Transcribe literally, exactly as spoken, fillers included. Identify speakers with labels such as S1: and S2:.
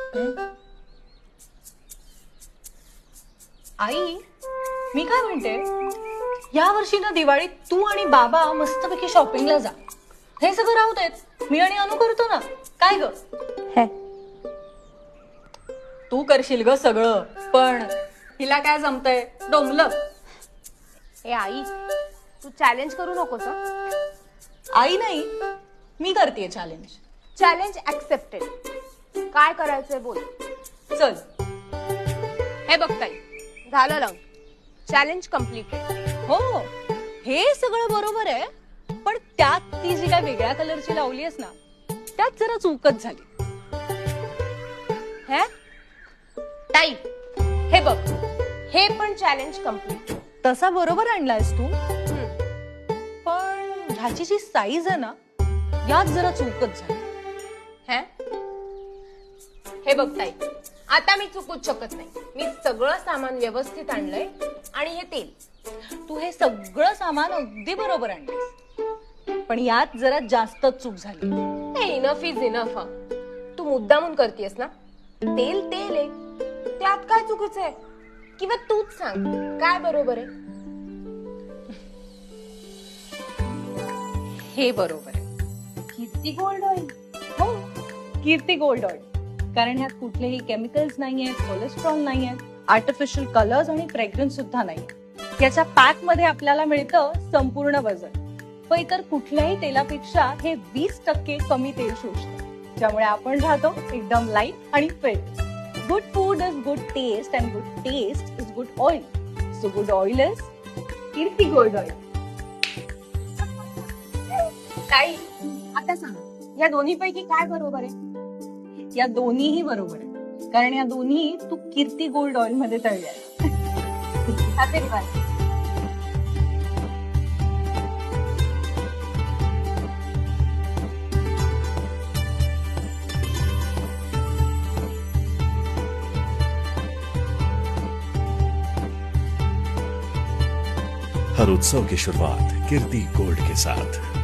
S1: आई, मी काय म्हणते, या वर्षी ना दिवाळीत तू आणि बाबा मस्तपैकी शॉपिंगला जा. हे सगळं राहू देत, मी आणि अनु करतो ना. काय ग?
S2: हे
S1: तू करशील ग सगळं, पण हिला काय जमतंय? डोंबलं.
S2: ए आई, तू चॅलेंज करू नकोस हं.
S1: आई नाही, मी करतेय चॅलेंज.
S2: Challenge accepted. काय करायचंय बोल.
S1: चल.
S2: हे बघ ताई, झालं लंग. Challenge completed.
S1: हो, हे सगळं बरोबर आहे, पण त्यात ती जी काय वेगळ्या कलरची लावली आहेस ना, त्यात जरा चूकच झाली.
S2: हे ताई, हे बघ, हे पण चॅलेंज कम्प्लीट.
S1: तसा बरोबर आणलायस तू, पण ह्याची जी साईज आहे ना, यात जरा चूकच झाली.
S2: हे हे बघ ताई, आता मी चुकूच शकत नाही. मी सगळं सामान व्यवस्थित आणलंय. आणि हे तेल,
S1: तू हे सगळं सामान अगदी बरोबर आणलंस, पण यात जरा जास्तच चूक झाली.
S2: हे इनफ इज इनफ. तू मुद्दामून करतेस ना. तेल तेल आहे, त्यात काय चुकीचं आहे? किंवा तूच सांग काय बरोबर आहे.
S1: हे बरोबर आहे.
S2: किती गोल्ड ऑइल.
S1: हो, कीर्ती गोल्ड ऑइल. कारण ह्यात कुठलेही केमिकल्स नाहीयेत, कोलेस्ट्रॉल नाहीये, आर्टिफिशियल कलर्स आणि फ्रेग्रन्स सुद्धा नाही. याच्या पॅक मध्ये आपल्याला मिळतं संपूर्ण वजन. पण इतर कुठल्याही तेलापेक्षा हे वीस टक्के कमी तेल शोषतं, ज्यामुळे आपण राहतो एकदम लाईट आणि fit. Good food is good taste and good taste is good oil. So good oil is Kirti gold oil.
S2: ताई, आता सांग, या दोन्ही पैकी काय बरोबर आहे?
S1: या दोन्हीही बरोबर आहे, कारण या दोन्ही तू कीर्ती गोल्ड ऑइल मध्ये तळल्या.
S3: हर उत्सव की शुरुआत कीर्ति गोल्ड के साथ।